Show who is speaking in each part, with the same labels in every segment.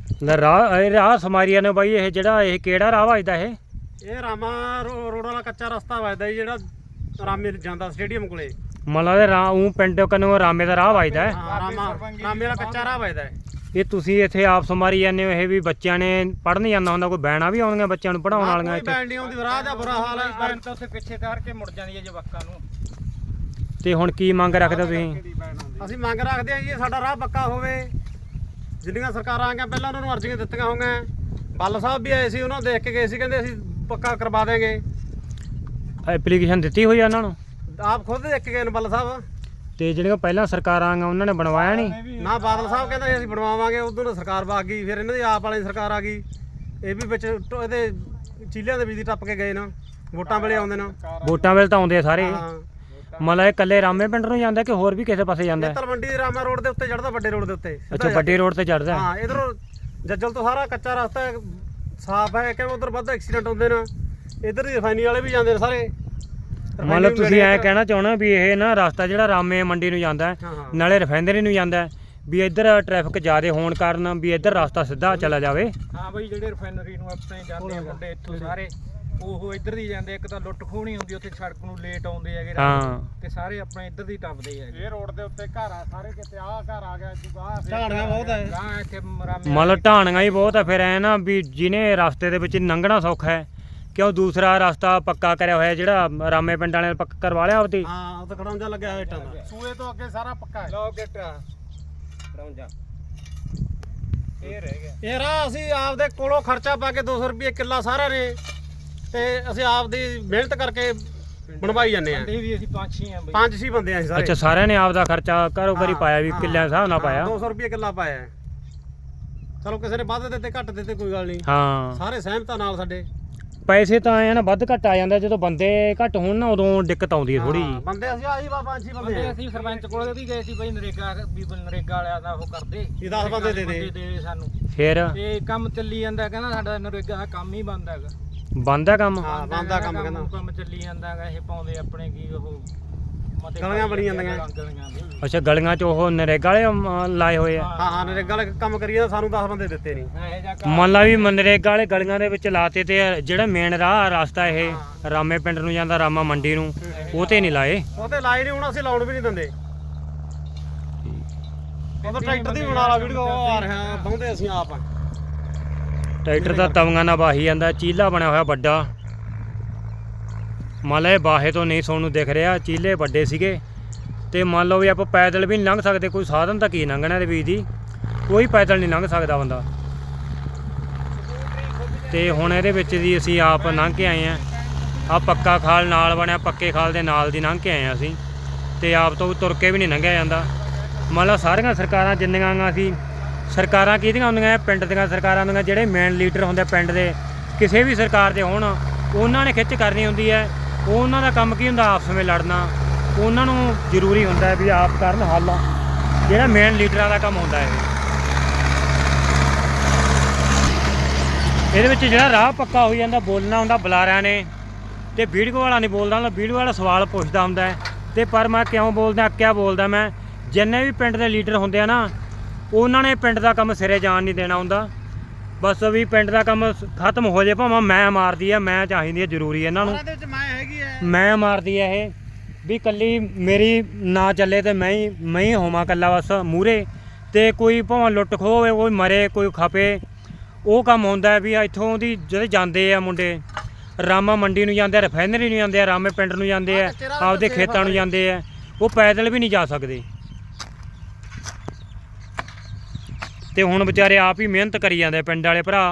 Speaker 1: ਰਾਹ ਸਮਾਰੀਆ ਨੇ ਬਾਈ ਇਹ ਜਿਹੜਾ ਇਹ ਕਿਹੜਾ ਰਾਹ ਵੱਜਦਾ
Speaker 2: ਇਹ ਰਾਮਾ ਰੋਡ ਵਾਲਾ ਕੱਚਾ ਰਸਤਾ ਵੱਜਦਾ ਜੀ ਜਿਹੜਾ ਰਾਮੇ ਜਾਂਦਾ ਸਟੇਡੀਅਮ ਕੋਲੇ।
Speaker 1: ਮਤਲਬ ਇਹ ਉਹ ਪਿੰਡ ਕਨੋਂ ਰਾਮੇ ਦਾ ਰਾਹ ਵੱਜਦਾ ਹੈ।
Speaker 2: ਹਾਂ ਰਾਮੇ ਵਾਲਾ ਕੱਚਾ ਰਾਹ ਵੱਜਦਾ ਹੈ।
Speaker 1: ਇਹ ਤੁਸੀਂ ਇੱਥੇ ਆਪ ਸਮਾਰੀ ਜਾਂਦੇ ਹੋ, ਇਹ ਵੀ ਬੱਚਿਆਂ ਨੇ ਪੜ੍ਹਨ ਜਾਂਦਾ ਹੁੰਦਾ, ਕੋਈ ਬੈਣਾ ਵੀ ਆਉਂਦੀਆਂ ਬੱਚਿਆਂ ਨੂੰ ਪੜ੍ਹਾਉਣ ਵਾਲੀਆਂ
Speaker 2: ਇੱਥੇ? ਬੈਣ ਨਹੀਂ ਆਉਂਦੀ, ਰਾਹ ਦਾ ਬੁਰਾ ਹਾਲ ਹੈ।
Speaker 3: ਬੈਣ ਤਾਂ ਉੱਥੇ ਪਿੱਛੇ ਤਾਰ ਕੇ ਮੁੜ ਜਾਂਦੀ ਹੈ ਜਵਾਕਾਂ ਨੂੰ।
Speaker 1: ਤੇ ਹੁਣ ਕੀ ਮੰਗ ਰੱਖਦੇ ਤੁਸੀਂ?
Speaker 2: ਅਸੀਂ ਮੰਗ ਰੱਖਦੇ ਹਾਂ ਜੀ ਸਾਡਾ ਰਾਹ ਪੱਕਾ ਹੋਵੇ। ਜਿੰਨੀਆਂ ਸਰਕਾਰਾਂ ਆ ਗਈਆਂ ਪਹਿਲਾਂ ਉਹਨਾਂ ਨੂੰ ਅਰਜ਼ੀਆਂ ਦਿੱਤੀਆਂ ਹੋਈਆਂ। ਬੱਲ ਸਾਹਿਬ ਵੀ ਆਏ ਸੀ, ਉਹਨਾਂ ਦੇਖ ਕੇ ਗਏ ਸੀ, ਕਹਿੰਦੇ ਅਸੀਂ ਪੱਕਾ ਕਰਵਾ ਦੇਂਗੇ।
Speaker 1: ਐਪਲੀਕੇਸ਼ਨ ਦਿੱਤੀ ਹੋਈ ਆ ਉਹਨਾਂ ਨੂੰ?
Speaker 2: ਆਪ ਖੁਦ ਦੇਖ ਕੇ ਗਏ ਨੇ ਬੱਲ ਸਾਹਿਬ।
Speaker 1: ਤੇ ਜਿਹੜੀਆਂ ਪਹਿਲਾਂ ਸਰਕਾਰਾਂ ਆਈਆਂ ਉਹਨਾਂ ਨੇ ਬਣਵਾਇਆ ਨਹੀਂ
Speaker 2: ਨਾ? ਬਾਦਲ ਸਾਹਿਬ ਕਹਿੰਦਾ ਅਸੀਂ ਬਣਵਾਵਾਂਗੇ, ਉਦੋਂ ਸਰਕਾਰ ਵਗ ਗਈ, ਫਿਰ ਇਹਨਾਂ ਦੀ ਆਪ ਵਾਲੀ ਸਰਕਾਰ ਆ ਗਈ। ਇਹ ਵੀ ਵਿੱਚ ਇਹਦੇ ਚੀਲਿਆਂ ਦੇ ਬਿਜਲੀ ਟੱਪ ਕੇ ਗਏ ਨਾ, ਵੋਟਾਂ ਵੇਲੇ ਆਉਂਦੇ ਨਾ।
Speaker 1: ਵੋਟਾਂ ਵੇਲੇ ਤਾਂ ਆਉਂਦੇ ਆ ਸਾਰੇ।
Speaker 2: ਹਾਂ
Speaker 1: ਮਤਲਬ ਇਹ ਇਕੱਲੇ ਰਾਮੇ ਪਿੰਡ ਨੂੰ ਜਾਂਦਾ ਕਿ ਹੋਰ ਵੀ ਕਿਸੇ ਪਾਸੇ ਜਾਂਦਾ?
Speaker 2: ਤਲਵੰਡੀ ਰਾਮਾ ਰੋਡ ਦੇ ਉੱਤੇ ਚੜਦਾ, ਵੱਡੇ ਰੋਡ ਦੇ ਉੱਤੇ।
Speaker 1: ਅੱਛਾ, ਵੱਡੇ ਰੋਡ ਤੇ ਚੜਦਾ।
Speaker 2: ਹਾਂ ਇਧਰੋਂ ਜੱਜਲ ਤੋਂ ਸਾਰਾ ਕੱਚਾ ਰਸਤਾ ਹੈ, ਸਾਫ਼ ਹੈ। ਕਿਉਂ ਉਧਰ ਵੱਧ ਐਕਸੀਡੈਂਟ ਹੁੰਦੇ ਨੇ, ਇਧਰ ਦੀ ਰਿਫਾਈਨਰੀ ਵਾਲੇ ਵੀ ਜਾਂਦੇ ਨੇ ਸਾਰੇ।
Speaker 1: ਮਤਲਬ ਤੁਸੀਂ ਐਂ ਕਹਿਣਾ ਚਾਹੁੰਦੇ ਵੀ ਇਹ ਨਾ ਰਸਤਾ ਜਿਹੜਾ ਰਾਮੇ ਮੰਡੀ ਨੂੰ ਜਾਂਦਾ ਨਾਲੇ ਰਿਫਾਈਨਰੀ ਨੂੰ ਜਾਂਦਾ ਵੀ ਇੱਧਰ ਟ੍ਰੈਫਿਕ ਜ਼ਿਆਦਾ ਹੋਣ ਕਾਰਨ ਵੀ ਇੱਧਰ ਰਸਤਾ ਸਿੱਧਾ ਚਲਾ ਜਾਵੇ।
Speaker 3: ਹਾਂ ਬਈ ਜਿਹੜੇ ਰਿਫਾਈਨਰੀ ਨੂੰ ਆਪਣੇ ਜਾਂਦੇ ਆ ਮੁੰਡੇ ਇੱਥੋਂ ਸਾਰੇ, ਉਹ ਇੱਧਰ ਦੀ ਜਾਂਦੇ। ਇੱਕ ਤਾਂ ਲੁੱਟ ਖੋਹਣੀ ਹੁੰਦੀ ਉੱਥੇ, ਸੜਕ ਨੂੰ ਲੇਟ ਆਉਂਦੇ ਹੈਗੇ ਤੇ ਸਾਰੇ ਆਪਣੇ ਇੱਧਰ ਦੀ ਟੱਪਦੇ ਹੈਗੇ। ਇਹ ਰੋਡ ਦੇ ਉੱਤੇ ਘਰ ਆ ਸਾਰੇ, ਕਿਤੇ ਆਹ ਘਰ ਆ ਗਿਆ,
Speaker 2: ਢਾਣੀਆਂ ਬਹੁਤ ਹੈ।
Speaker 3: ਹਾਂ ਇੱਥੇ
Speaker 1: ਮਤਲਬ ਢਾਣੀਆਂ ਹੀ ਬਹੁਤ ਆ। ਫਿਰ ਐ ਨਾ ਵੀ ਜਿਹਨੇ ਰਸਤੇ ਦੇ ਵਿੱਚ ਲੰਘਣਾ ਸੌਖਾ ਹੈ, ਕਿਉਂ ਦੂਸਰਾ ਰਸਤਾ ਪੱਕਾ ਕਰਿਆ ਹੋਇਆ ਜਿਹੜਾ ਰਾਮੇ ਪਿੰਡ ਵਾਲਿਆਂ ਨੇ ਪੱਕਾ ਕਰਵਾ ਲਿਆ ਉਹਦੀ।
Speaker 2: ਹਾਂ ਉਹ ਤਾਂ ਖੜਾਉਂਜਾ ਲੱਗਿਆ ਹੋਇਆ ਇੱਟਾਂ ਦਾ।
Speaker 3: ਸੂਏ ਤੋਂ ਅੱਗੇ ਸਾਰਾ ਪੱਕਾ ਹੈ। ਲੋ ਗਿੱਟ ਖੜਾਉਂਜਾ ਇਹ ਰਹਿ ਗਿਆ।
Speaker 2: ਇਹ ਰਾਹ ਅਸੀਂ ਆਪਦੇ ਕੋਲੋਂ ਖਰਚਾ ਪਾ ਕੇ 200 ਰੁਪਏ ਕਿੱਲਾ ਸਾਰਿਆਂ ਨੇ, ਤੇ ਅਸੀਂ ਆਪਦੀ ਮਿਹਨਤ ਕਰਕੇ ਬਣਵਾਈ ਜਾਂਦੇ ਆ।
Speaker 3: ਵੀ ਅਸੀਂ 5-6 ਆ ਬਈ,
Speaker 2: 5-6 ਬੰਦੇ ਆ ਸਾਰੇ।
Speaker 1: ਅੱਛਾ, ਸਾਰਿਆਂ ਨੇ ਆਪਦਾ ਖਰਚਾ ਘਰੋਂ ਘਰੀ ਪਾਇਆ ਵੀ ਕਿੱਲਿਆਂ ਹਿਸਾਬ ਨਾਲ ਪਾਇਆ?
Speaker 2: 200 ਰੁਪਏ ਕਿੱਲਾ ਪਾਇਆ। ਚਲੋ ਕਿਸੇ ਨੇ ਵੱਧ ਦਿੱਤੇ ਘੱਟ ਦਿੱਤੇ ਕੋਈ ਗੱਲ ਨਹੀਂ।
Speaker 1: ਹਾਂ
Speaker 2: ਸਾਰੇ ਸਹਿਮਤ ਨਾਲ ਸਾਡੇ।
Speaker 1: ਪੈਸੇ ਤਾਂ ਆਏ ਨਾ ਵੱਧ ਘੱਟ ਆ ਜਾਂਦਾ, ਜਦੋਂ ਬੰਦੇ ਘੱਟ ਹੋਣ ਨਾ ਉਦੋਂ ਦਿੱਕਤ ਆਉਂਦੀ ਹੈ ਥੋੜੀ ਜਿਹੀ।
Speaker 2: ਬੰਦੇ ਅਸੀਂ ਆਹੀ 5-6 ਬੰਦੇ ਆ।
Speaker 3: ਅਸੀਂ ਸਰਪੰਚ ਕੋਲ ਵੀ ਗਏ ਸੀ ਬਈ, ਨਰੇਗਾ ਵੀ ਨਰੇਗਾ ਵਾਲਿਆਂ ਦਾ ਉਹ ਕਰਦੇ
Speaker 2: ਇਹ 10 ਬੰਦੇ ਦੇ
Speaker 3: ਦੇ ਸਾਨੂੰ।
Speaker 1: ਫਿਰ
Speaker 3: ਤੇ ਕੰਮ ਚੱਲੀ ਜਾਂਦਾ, ਕਹਿੰਦਾ ਸਾਡਾ ਨਰੇਗਾ ਦਾ ਕੰਮ ਹੀ ਬੰਦ ਹੈਗਾ।
Speaker 1: ਬੰਦ ਆ ਕੰਮ?
Speaker 2: ਹਾਂ ਬੰਦ ਆ ਕੰਮ, ਕਹਿੰਦਾ
Speaker 3: ਕੰਮ ਚੱਲੀ ਜਾਂਦਾ ਹੈਗਾ। ਇਹ ਪਾਉਂਦੇ ਆਪਣੇ ਕੀ ਉਹ
Speaker 2: ਗਲੀਆਂ ਬਣੀ ਜਾਂਦੀਆਂ।
Speaker 1: ਅੱਛਾ, ਗਲੀਆਂ 'ਚ ਉਹ ਨਰੇਗਾ ਵਾਲੇ ਲਾਏ ਹੋਏ ਆ?
Speaker 2: ਹਾਂ ਨਰੇਗਾ ਵਾਲੇ ਕੰਮ ਕਰੀਏ, ਸਾਨੂੰ 10 ਬੰਦੇ ਦਿੱਤੇ ਨਹੀਂ।
Speaker 1: ਮੰਨ ਲਾ ਵੀ ਨਰੇਗਾ ਵਾਲੇ ਗਲੀਆਂ ਦੇ ਵਿੱਚ ਲਾਤੇ ਤੇ ਜਿਹੜਾ ਮੇਨ ਰਾਹ ਰਸਤਾ ਇਹ ਰਾਮੇ ਪਿੰਡ ਨੂੰ ਜਾਂਦਾ, ਰਾਮਾ ਮੰਡੀ ਨੂੰ, ਉਹ ਤੇ ਨਹੀਂ ਲਾਏ?
Speaker 2: ਉਹ ਤੇ ਲਾਏ ਨਹੀਂ, ਹੁਣ ਅਸੀਂ ਲਾਉਣ ਵੀ ਨਹੀਂ ਦਿੰਦੇ। ਉਹ ਤਾਂ ਟਰੈਕਟਰ ਦੀ ਬਣਾ ਲਾ ਵੀਡੀਓ, ਆ ਰਿਹਾ ਬਹੁਤੇ ਅਸੀਂ ਆਪ ਆ।
Speaker 1: ਟਰੈਕਟਰ ਦਾ ਤਵੀਆਂ ਨਾਲ ਵਾਹੀ ਜਾਂਦਾ, ਚੀਲਾ ਬਣਿਆ ਹੋਇਆ ਵੱਡਾ। ਮੰਨ ਲਓ ਇਹ ਬਾਹੇ ਤੋਂ ਨਹੀਂ ਤੁਹਾਨੂੰ ਦਿਖ ਰਿਹਾ, ਚੀਲੇ ਵੱਡੇ ਸੀਗੇ। ਤੇ ਮੰਨ ਲਓ ਵੀ ਆਪਾਂ ਪੈਦਲ ਵੀ ਨਹੀਂ ਲੰਘ ਸਕਦੇ, ਕੋਈ ਸਾਧਨ ਤਾਂ ਕੀ ਲੰਘਣਾ ਦੇ ਵਿੱਚ ਦੀ, ਕੋਈ ਪੈਦਲ ਨਹੀਂ ਲੰਘ ਸਕਦਾ ਬੰਦਾ। ਤੇ ਹੁਣ ਇਹਦੇ ਵਿੱਚ ਦੀ ਅਸੀਂ ਆਪ ਲੰਘ ਕੇ ਆਏ ਆ ਪੱਕਾ ਖਾਲ ਨਾਲ ਬਣਿਆ, ਪੱਕੇ ਖਾਲ ਦੇ ਨਾਲ ਦੀ ਲੰਘ ਕੇ ਆਏ ਆ ਅਸੀਂ। ਤੇ ਆਪ ਤੋਂ ਤੁਰ ਕੇ ਵੀ ਨਹੀਂ ਲੰਘਿਆ ਜਾਂਦਾ। ਮੰਨ ਲਓ ਸਾਰੀਆਂ ਸਰਕਾਰਾਂ ਜਿੰਨੀਆਂ ਅਸੀਂ ਸਰਕਾਰਾਂ ਕਿਹਦੀਆਂ ਹੁੰਦੀਆਂ? ਪਿੰਡ ਦੀਆਂ ਸਰਕਾਰਾਂ ਹੁੰਦੀਆਂ। ਜਿਹੜੇ ਮੇਨ ਲੀਡਰ ਹੁੰਦੇ ਪਿੰਡ ਦੇ, ਕਿਸੇ ਵੀ ਸਰਕਾਰ ਦੇ ਹੋਣ, ਉਹਨਾਂ ਨੇ ਖਿੱਚ ਕਰਨੀ ਹੁੰਦੀ ਹੈ। ਉਹਨਾਂ ਦਾ ਕੰਮ ਕੀ ਹੁੰਦਾ? ਆਪਸ ਵਿੱਚ ਲੜਨਾ। ਉਹਨਾਂ ਨੂੰ ਜ਼ਰੂਰੀ ਹੁੰਦਾ ਵੀ ਆਪ ਕਰਨ ਹੱਲ, ਜਿਹੜਾ ਮੇਨ ਲੀਡਰਾਂ ਦਾ ਕੰਮ ਹੁੰਦਾ ਹੈ। ਇਹਦੇ ਵਿੱਚ ਜਿਹੜਾ ਰਾਹ ਪੱਕਾ ਹੋ ਜਾਂਦਾ, ਬੋਲਣਾ ਹੁੰਦਾ ਬੁਲਾਰਿਆਂ ਨੇ, ਤੇ ਵੀਡੀਓ ਵਾਲਾ ਨਹੀਂ ਬੋਲਦਾ ਹੁੰਦਾ। ਵੀਡੀਓ ਵਾਲਾ ਸਵਾਲ ਪੁੱਛਦਾ ਹੁੰਦਾ ਹੈ। ਤੇ ਪਰ ਮੈਂ ਕਿਉਂ ਬੋਲਦਾ, ਕਿਆ ਬੋਲਦਾ ਮੈਂ? ਜਿੰਨੇ ਵੀ ਪਿੰਡ ਦੇ ਲੀਡਰ ਹੁੰਦੇ ਆ ਨਾ, ਉਹਨਾਂ ਨੇ ਪਿੰਡ ਦਾ ਕੰਮ ਸਿਰੇ ਜਾਣ ਨਹੀਂ ਦੇਣਾ ਹੁੰਦਾ। ਬਸ ਵੀ ਪਿੰਡ ਦਾ ਕੰਮ ਖਤਮ ਹੋ ਜਾਏ, ਭਾਵੇਂ ਮੈਂ ਮਾਰਦੀ ਆ, ਮੈਂ ਚਾਹੀਦੀ ਆ, ਜ਼ਰੂਰੀ ਇਹਨਾਂ ਨੂੰ ਮੈਂ ਮਾਰਦੀ ਆ ਇਹ ਵੀ ਕੱਲੀ ਮੇਰੀ ਨਾ ਚੱਲੇ ਤੇ ਮੈਂ ਹੀ ਹੋਵਾਂ ਕੱਲਾ ਬਸ ਮੂਹਰੇ। ਤੇ ਕੋਈ ਭਾਵੇਂ ਲੁੱਟ ਖੋਹ ਹੋਵੇ, ਕੋਈ ਮਰੇ, ਕੋਈ ਖਪੇ, ਉਹ ਕੰਮ ਹੁੰਦਾ ਵੀ ਇੱਥੋਂ ਦੀ ਜਿਹੜੇ ਜਾਂਦੇ ਆ ਮੁੰਡੇ, ਰਾਮਾ ਮੰਡੀ ਨੂੰ ਜਾਂਦੇ ਆ, ਰਿਫਾਈਨਰੀ ਨੂੰ ਜਾਂਦੇ ਆ, ਰਾਮੇ ਪਿੰਡ ਨੂੰ ਜਾਂਦੇ ਆ, ਆਪਦੇ ਖੇਤਾਂ ਨੂੰ ਜਾਂਦੇ ਆ, ਉਹ ਪੈਦਲ ਵੀ ਨਹੀਂ ਜਾ ਸਕਦੇ। ਤੇ ਹੁਣ ਵਿਚਾਰੇ ਆਪ ਹੀ ਮਿਹਨਤ ਕਰੀ ਜਾਂਦੇ ਪਿੰਡ ਵਾਲੇ ਭਰਾ।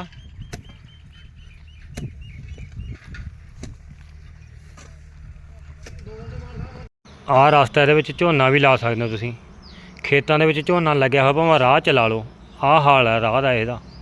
Speaker 1: ਆਹ ਰਸਤਾ ਇਹਦੇ ਵਿੱਚ ਝੋਨਾ ਵੀ ਲਾ ਸਕਦੇ ਹੋ ਤੁਸੀਂ। ਖੇਤਾਂ ਦੇ ਵਿੱਚ ਝੋਨਾ ਲੱਗਿਆ ਹੋਇਆ, ਭਾਵੇਂ ਰਾਹ ਚਲਾ ਲਓ। ਆਹ ਹਾਲ ਹੈ ਰਾਹ ਦਾ ਇਹਦਾ।